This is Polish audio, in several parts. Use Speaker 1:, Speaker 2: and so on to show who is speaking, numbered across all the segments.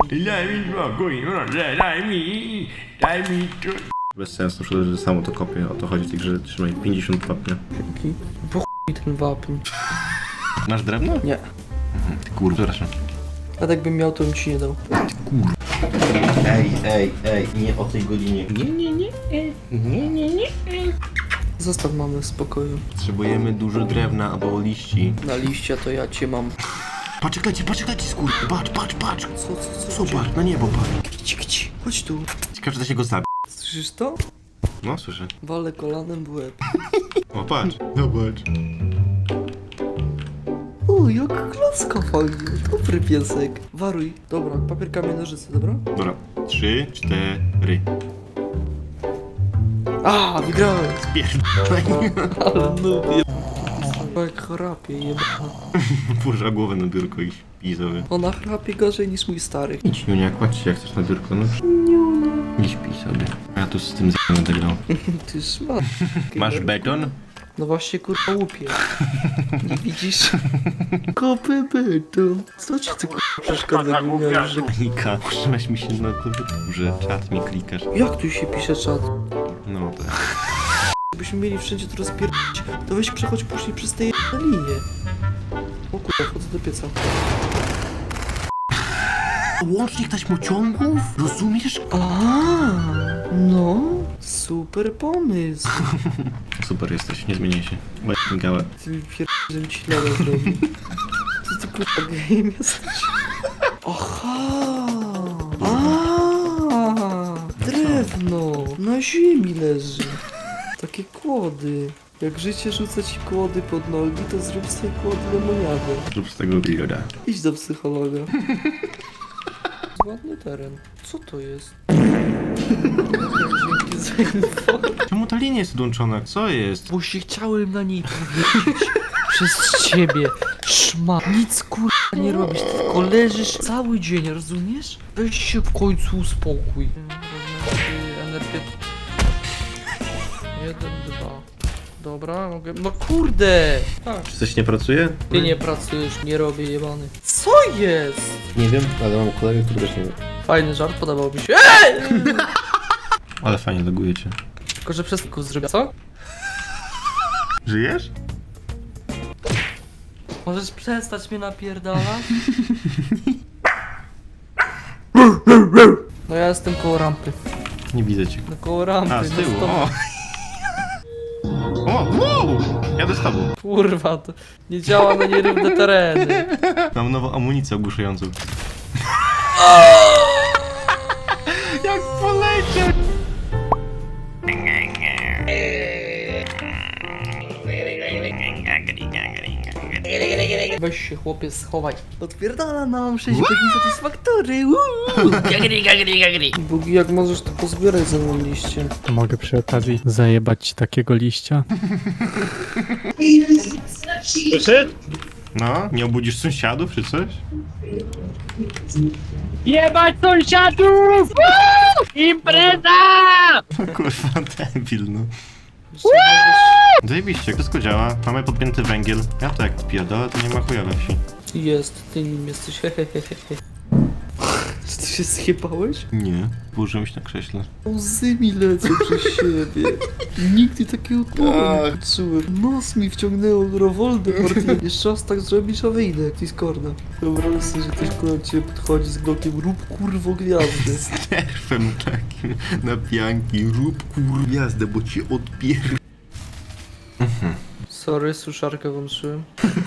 Speaker 1: Daj mi spokój, proszę, daj mi to. Bez sensu, że samo to kopię, o to chodzi w tej grze, trzymaj 50 wapnia.
Speaker 2: Dzięki. Po chuj ten wapń.
Speaker 1: Masz drewno?
Speaker 2: Nie.
Speaker 1: Ty kurwa, przepraszam.
Speaker 2: A tak bym miał, to bym ci nie dał.
Speaker 1: Ej, nie o tej godzinie. Nie.
Speaker 2: Zostaw mamy w spokoju.
Speaker 1: Potrzebujemy dużo drewna albo liści.
Speaker 2: Na liścia to ja cię mam.
Speaker 1: Patrz, skur. Patrz.
Speaker 2: Co?
Speaker 1: Zobacz, na niebo patrz.
Speaker 2: Gdzie? Chodź tu.
Speaker 1: Ciekawe, czy da się go zabić.
Speaker 2: Słyszysz to?
Speaker 1: No, słyszę.
Speaker 2: Walę kolanem w łeb.
Speaker 1: O, patrz. Zobacz.
Speaker 2: O, jak klaska fajnie. Dobry piesek. Waruj. Dobra, papier, kamień, nożyce, dobra?
Speaker 1: Dobra. 3, 4.
Speaker 2: A, wygrałem.
Speaker 1: Pierdolę.
Speaker 2: Ale lubię. Jak chrapie, jebana.
Speaker 1: Położyła głowę na biurko i śpi sobie.
Speaker 2: Ona chrapie gorzej niż mój stary.
Speaker 1: Idź, Niunia, kładź się jak chcesz na biurko, no. Nie śpi sobie. A ja tu z tym będę grał.
Speaker 2: Ty szmat.
Speaker 1: Masz beton?
Speaker 2: No właśnie kurwa łupie. Nie widzisz? Kopy beton. Co ci ty kurwa przeszkadza, jak miałeś, że...
Speaker 1: Klika. Używasz mi się na klawiaturze. Czat mi klikasz.
Speaker 2: Jak tu się pisze czat?
Speaker 1: No tak.
Speaker 2: Gdybyśmy mieli wszędzie to rozpierdolić, to weź przechodź później przez te linie. O kurwa, wchodzę do pieca.
Speaker 1: Łącznik taśmociągów? Rozumiesz?
Speaker 2: A, no, super pomysł.
Speaker 1: Super jesteś, nie zmieniaj się. Gałę.
Speaker 2: Ty mi żebym ci lada zrobił. Co ty kurwa game jesteś? Aha! Drewno! Na ziemi leży. Takie kłody. Jak życie rzuca ci kłody pod nogi, to zrób sobie kłody lemoniady.
Speaker 1: Zrób z tego bilioda.
Speaker 2: Idź do psychologa. Ładny teren. Co to jest? Dzięki za info.
Speaker 1: Czemu ta linia jest odłączona? Co jest?
Speaker 2: Bo się chciałem na niej powiedzieć. Przez ciebie. Szma. Nic kurwa nie robisz, ty tylko leżysz cały dzień, rozumiesz? Weź się w końcu uspokój. Energetyk. 1, 2. Dobra, mogę. No kurde! Tak.
Speaker 1: Czy coś nie pracuje?
Speaker 2: Ty nie pracujesz, nie robię jebany. Co jest?
Speaker 1: Nie wiem, ale mam kolegę, który też nie wie.
Speaker 2: Fajny żart, podobał mi się.
Speaker 1: Ale fajnie logujecie.
Speaker 2: Tylko, że przez tylko zrobię, co?
Speaker 1: Żyjesz?
Speaker 2: Możesz przestać mnie napierdalać? No ja jestem koło rampy.
Speaker 1: Nie widzę cię.
Speaker 2: No koło rampy.
Speaker 1: A, z
Speaker 2: no
Speaker 1: tyłu,
Speaker 2: stop.
Speaker 1: o! O, wow! Jadę z tobą.
Speaker 2: Kurwa, to nie działa na nierówne tereny.
Speaker 1: Mam nową amunicję ogłuszającą. Jak poleciał!
Speaker 2: Weź się chłopie schowaj. Odpierdala nam 6 godzin satysfaktory. Bugi, jak możesz to pozbierać ze mną liście.
Speaker 3: Mogę przy okazji zajebać ci takiego liścia?
Speaker 1: No, nie obudzisz sąsiadów czy coś?
Speaker 3: Jebać sąsiadów! Impreza!
Speaker 1: Kurwa, debil, no. Zajebiście, wszystko działa. Mamy podpięty węgiel. Ja to jak spierdolę, to nie ma chuja we wsi.
Speaker 2: Jest, ty nim jesteś, hehehehe. Czy ty się zjebałeś?
Speaker 1: Nie, położyłem się na krześle.
Speaker 2: Łzy mi lecą przez siebie. Nigdy takiego odmowy nie poczułem. Nos mi wciągnęło Voldemort. Jeszcze raz tak zrobisz, a wyjdę jak Discorda. Wyobraź sobie, że ktoś do ciebie podchodzi z glokiem, rób kurwo gwiazdy.
Speaker 1: Nerwem takim na pianki. Rób gwiazdę, bo ci odpier...
Speaker 2: Sorry, suszarkę włączyłem.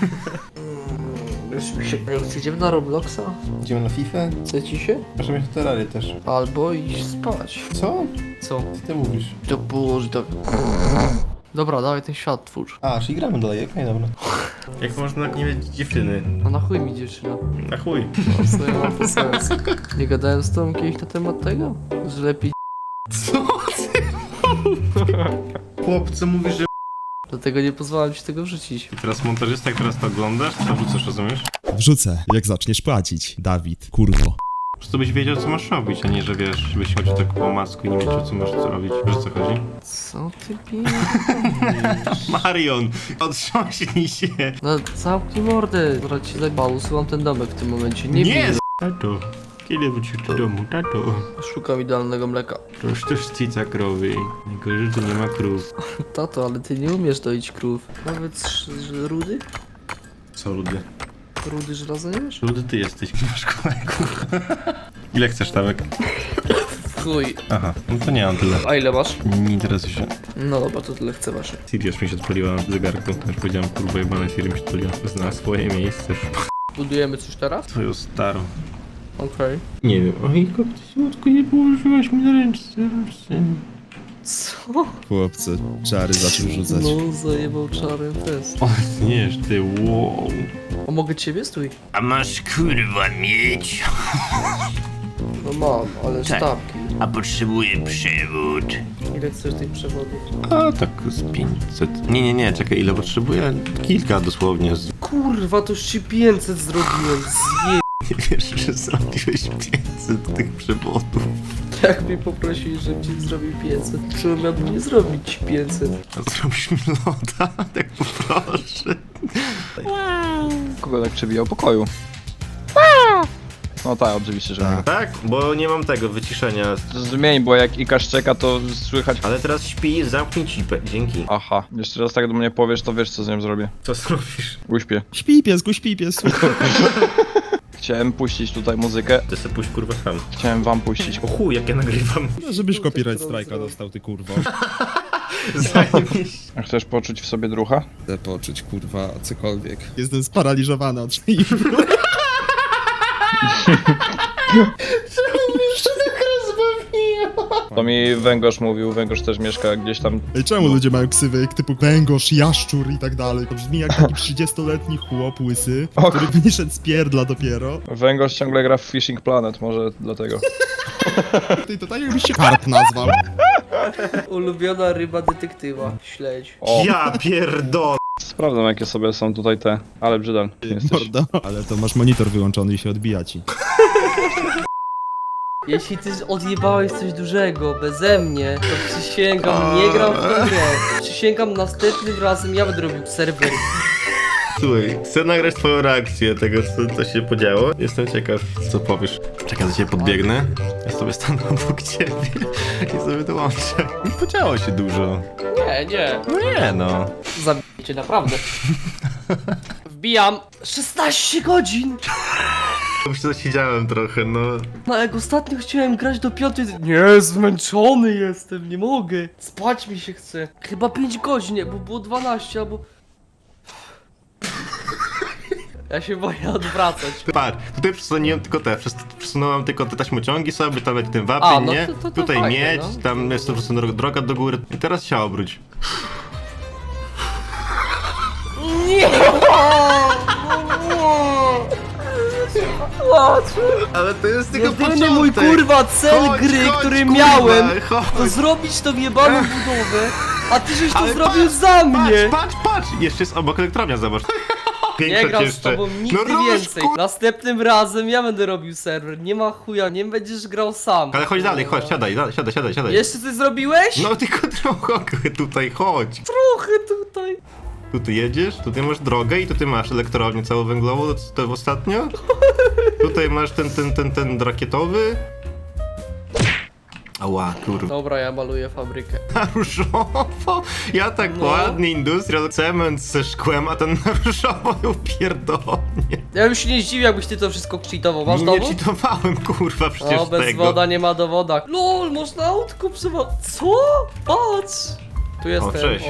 Speaker 2: Idziemy na Robloxa?
Speaker 1: Idziemy na FIFA?
Speaker 2: Chce ci się?
Speaker 1: Proszę mieć terrarię też.
Speaker 2: Albo iść spać.
Speaker 1: Co?
Speaker 2: Co?
Speaker 1: Co ty mówisz?
Speaker 2: To Boże, to... Dobra, dawaj ten świat twórz.
Speaker 1: A, czyli gramy dalej, okej, dobra. Jak można nie mieć dziewczyny?
Speaker 2: A na chuj mi dziewczyna.
Speaker 1: Na chuj.
Speaker 2: No, co ja mam po sens. Nie gadałem z tobą kiedyś na temat tego? Że lepiej
Speaker 1: Co ty? Chłopcu mówisz, że...
Speaker 2: dlatego nie pozwalam ci tego wrzucić.
Speaker 1: I teraz montażysta, jak teraz to oglądasz, to wrzucasz, rozumiesz?
Speaker 4: Wrzucę, jak zaczniesz płacić, Dawid, kurwo.
Speaker 1: Po prostu byś wiedział, co masz robić, a nie, że wiesz, żebyś chodził tak po masku i nie wiedział, co masz co robić. Wiesz, o co chodzi?
Speaker 2: Co ty pierdolisz?
Speaker 1: Marion, otrząśnij się!
Speaker 2: No zamknij mordę. Zaraz ci zajebał, usuwam ten domek w tym momencie. Nie
Speaker 1: Nie,
Speaker 2: bij.
Speaker 1: to. Kiedy wrócisz do domu, tato?
Speaker 2: Szukam idealnego mleka.
Speaker 1: To już też cica krowy. Tylko, że tu nie ma krów.
Speaker 2: Tato, ale ty nie umiesz doić krów. Nawet rudy?
Speaker 1: Co, Rudy?
Speaker 2: Rudy żelaza nie wiesz?
Speaker 1: Rudy ty jesteś, nie masz kolegów. Ile chcesz tawek?
Speaker 2: Chuj.
Speaker 1: Aha, no to nie mam tyle.
Speaker 2: A ile masz?
Speaker 1: Nie interesuje się.
Speaker 2: No dobra, to tyle chcę wasze.
Speaker 1: Siri już mi się odpaliła w zegarku. Już powiedziałem, kurwa jebane, Siri mi się odpaliła. Zna swoje miejsce.
Speaker 2: Budujemy coś teraz?
Speaker 1: Twoją starą.
Speaker 2: Okej.
Speaker 1: Nie wiem. Oj, kopciutku, nie położyłaś mi na ręczce.
Speaker 2: Co?
Speaker 4: Chłopcy, czary zaczął rzucać.
Speaker 2: No, zajebał czarem fest.
Speaker 1: O, nie, ty, wow.
Speaker 2: A mogę ciebie? Stój.
Speaker 1: A masz kurwa mieć?
Speaker 2: No mam, ale sztabki.
Speaker 1: A potrzebuję przewód.
Speaker 2: Ile chcesz tych przewodów?
Speaker 1: A tak z 500. Nie, czekaj, ile potrzebuję? Kilka dosłownie.
Speaker 2: Kurwa, to już ci 500 zrobiłem. Zje...
Speaker 1: Nie wiesz, że zrobiłeś 500 tych przewodów.
Speaker 2: Jak mnie poprosili, żebym ci zrobił 500, to miałbym nie zrobić ci 500.
Speaker 1: A zrobisz mi loda? Tak poproszę.
Speaker 5: Kogo tak przebijał pokoju? No tak, oczywiście, że nie.
Speaker 1: Tak? Bo nie mam tego wyciszenia.
Speaker 5: Zmień, bo jak Ika szczeka, to słychać...
Speaker 1: Ale teraz śpi, zamknij cipę. Dzięki.
Speaker 5: Aha, jeszcze raz tak do mnie powiesz, to wiesz co z nią zrobię.
Speaker 1: Co zrobisz?
Speaker 5: Uśpię.
Speaker 4: Śpi piesku, śpi piesku.
Speaker 5: Chciałem puścić tutaj muzykę.
Speaker 1: Ty se pójść kurwa sam.
Speaker 5: Chciałem wam puścić.
Speaker 1: O chuj, jak ja nagrywam.
Speaker 4: No, żebyś copyright strike'a dostał, ty kurwo.
Speaker 1: Zajebiście.
Speaker 5: A chcesz poczuć w sobie drucha?
Speaker 4: Chcę poczuć, kurwa, cokolwiek. Jestem sparaliżowany od tej
Speaker 5: To mi Węgorz mówił, Węgorz też mieszka gdzieś tam.
Speaker 4: Ej, czemu ludzie mają ksywy typu węgorz, jaszczur i tak dalej? To brzmi jak taki 30-letni chłop łysy,
Speaker 5: O.
Speaker 4: który wyszedł z pierdla dopiero.
Speaker 5: Węgorz ciągle gra w Fishing Planet, może dlatego.
Speaker 4: Ty, to tak jakbyś się karp nazwał.
Speaker 2: Ulubiona ryba detektywa. Śledź.
Speaker 5: O,
Speaker 1: Ja pierdolę.
Speaker 5: sprawdzam jakie sobie są tutaj te, ale brzydal jesteś.
Speaker 4: Mordo. Ale to masz monitor wyłączony i się odbija ci.
Speaker 2: Jeśli ty odjebałeś coś dużego beze mnie, to przysięgam, nie gram w tę grę. Przysięgam, następnym razem ja będę robił serwer.
Speaker 1: Słuchaj, chcę nagrać twoją reakcję tego, co się podziało. Jestem ciekaw, co powiesz. Czekaj, do ciebie podbiegnę. Ja sobie stanę obok ciebie i sobie dołączę. Nie podziało się dużo.
Speaker 2: Nie.
Speaker 1: No nie no.
Speaker 2: Zabijcie, naprawdę. Wbijam 16 godzin!
Speaker 1: Już to siedziałem trochę, no.
Speaker 2: No jak ostatnio chciałem grać do 5. Nie, zmęczony jestem, nie mogę. Spać mi się chce. Chyba 5 godzin, nie, bo było 12 albo... Ja się boję odwracać.
Speaker 1: Patrz, tutaj przesunąłem tylko przesunąłem tylko te taśmociągi sobie, tam jak ten
Speaker 2: A,
Speaker 1: wapień,
Speaker 2: no
Speaker 1: nie?
Speaker 2: to
Speaker 1: Tutaj
Speaker 2: fajnie,
Speaker 1: miedź,
Speaker 2: no.
Speaker 1: tam jest to po prostu droga do góry. I teraz się obróć.
Speaker 2: Nie!
Speaker 1: Ale to jest tylko
Speaker 2: Jedyny mój kurwa cel
Speaker 1: Chodź,
Speaker 2: gry,
Speaker 1: chodź,
Speaker 2: który
Speaker 1: kurwa,
Speaker 2: miałem,
Speaker 1: chodź.
Speaker 2: to zrobić tą jebaną budowę, a ty żeś to
Speaker 1: Ale
Speaker 2: zrobił
Speaker 1: patrz,
Speaker 2: za mnie!
Speaker 1: Patrz! Jeszcze jest obok elektrownia, zobacz.
Speaker 2: Nie
Speaker 1: Większość
Speaker 2: gram z
Speaker 1: jeszcze.
Speaker 2: tobą nigdy
Speaker 1: rusz,
Speaker 2: więcej. Następnym razem ja będę robił serwer, nie ma chuja, nie będziesz grał sam.
Speaker 1: Ale chodź dalej, chodź, siadaj.
Speaker 2: Jeszcze coś zrobiłeś?
Speaker 1: No tylko trochę tutaj, chodź.
Speaker 2: Trochę tutaj.
Speaker 1: Tu jedziesz, tutaj masz drogę i tutaj masz elektrownię całowęglową, to ostatnio. Tutaj masz ten rakietowy. Ała, kurwa.
Speaker 2: Dobra, ja maluję fabrykę.
Speaker 1: Na różowo? Ja tak
Speaker 2: No.
Speaker 1: ładnie, industrial, cement ze szkłem, a ten na różowo ją pierdolnie.
Speaker 2: Ja bym się nie zdziwił, jakbyś ty to wszystko cheatował. Masz
Speaker 1: Nie
Speaker 2: dowód?
Speaker 1: cheatowałem, kurwa, przecież
Speaker 2: No, bez
Speaker 1: tego.
Speaker 2: woda nie ma dowoda. LOL, można autko Co? Patrz! Tu jestem.
Speaker 1: cześć.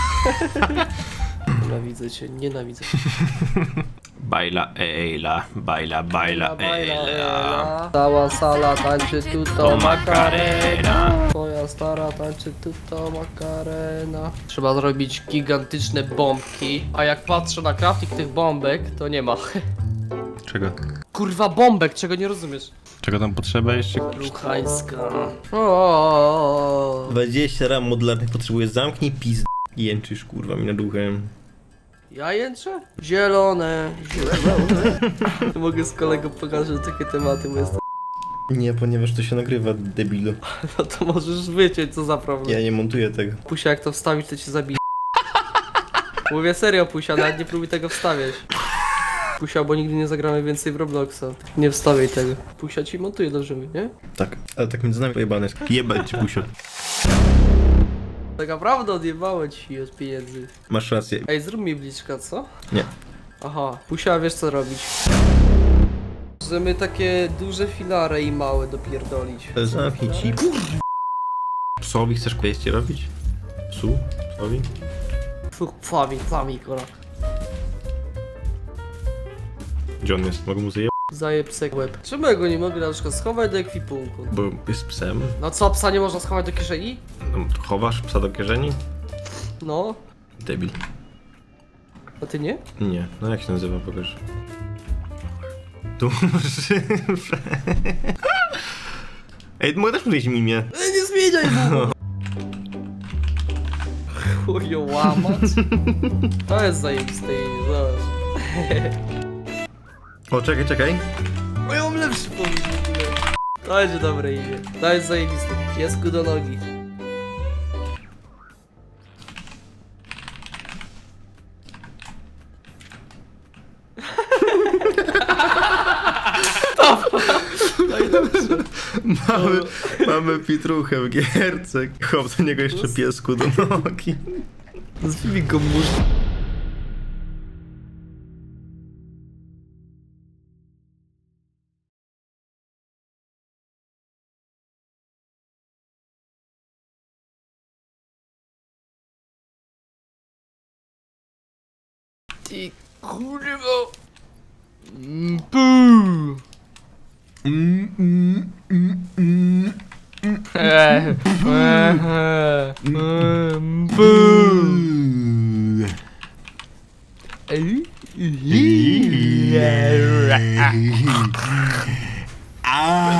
Speaker 2: Nienawidzę cię, nienawidzę.
Speaker 1: Baila Eila, baila Eila.
Speaker 2: Cała sala tańczy tu to
Speaker 1: To
Speaker 2: makarena.
Speaker 1: Macarena.
Speaker 2: Twoja stara tańczy tu to makarena. Trzeba zrobić gigantyczne bombki, a jak patrzę na crafting tych bombek, to nie ma.
Speaker 1: Czego?
Speaker 2: Kurwa bombek, czego nie rozumiesz?
Speaker 1: Czego tam potrzeba jeszcze?
Speaker 2: Luchańska. O.
Speaker 1: 20 ram modularnych potrzebuję, zamknij pizd... Jęczysz, kurwa, mi nad uchem.
Speaker 2: Ja jęczę? Zielone. Mogę z kolegą pokazać takie tematy, bo jestem...
Speaker 1: Nie, ponieważ to się nagrywa, debilu.
Speaker 2: No to możesz wyciąć, co za problem.
Speaker 1: Ja nie montuję tego.
Speaker 2: Pusia, jak to wstawić, to cię zabije. Mówię serio, Pusia, nawet nie próbuj tego wstawiać. Pusia, bo nigdy nie zagramy więcej w Robloxa. Nie wstawiaj tego. Pusia ci montuje dobrze, nie?
Speaker 1: Tak, ale tak między nami pojebane jest. Jebać ci, Pusio.
Speaker 2: Tak naprawdę odjebało ci od pieniędzy.
Speaker 1: Masz rację.
Speaker 2: Ej, zrób mi bliczka, co?
Speaker 1: Nie.
Speaker 2: Aha, Pusia, wiesz co robić. Możemy takie duże filary i małe dopierdolić.
Speaker 1: Zamknij ci. Psowi chcesz kwestię robić? Psu? Psowi?
Speaker 2: Pfami, kora.
Speaker 1: Gdzie on jest? Mogę mu zajebać?
Speaker 2: Zajeb sek łeb. Czemu ja go nie mogę na przykład schować do ekwipunku?
Speaker 1: Bo jest psem.
Speaker 2: No co, psa nie można schować do kieszeni?
Speaker 1: No, chowasz psa do kieszeni?
Speaker 2: No,
Speaker 1: Debil.
Speaker 2: a ty nie?
Speaker 1: Nie. No jak się nazywa? Pokaż. Duży. Ej, mogę też powiedzieć mimię.
Speaker 2: Ej, nie zmieniaj mu! Chujo łamać. To jest zajebiste imię, zobacz.
Speaker 1: O, czekaj.
Speaker 2: O, ja mam lepszy pomysł w ogóle. To będzie dobre imię. To jest zajebiste. Piesku do nogi.
Speaker 1: Mamy Pietruchę w gierce. Chłop do niego jeszcze piesku do nogi.
Speaker 2: Nazwijmy go mórz. Ty kurwa. Buu. Buu.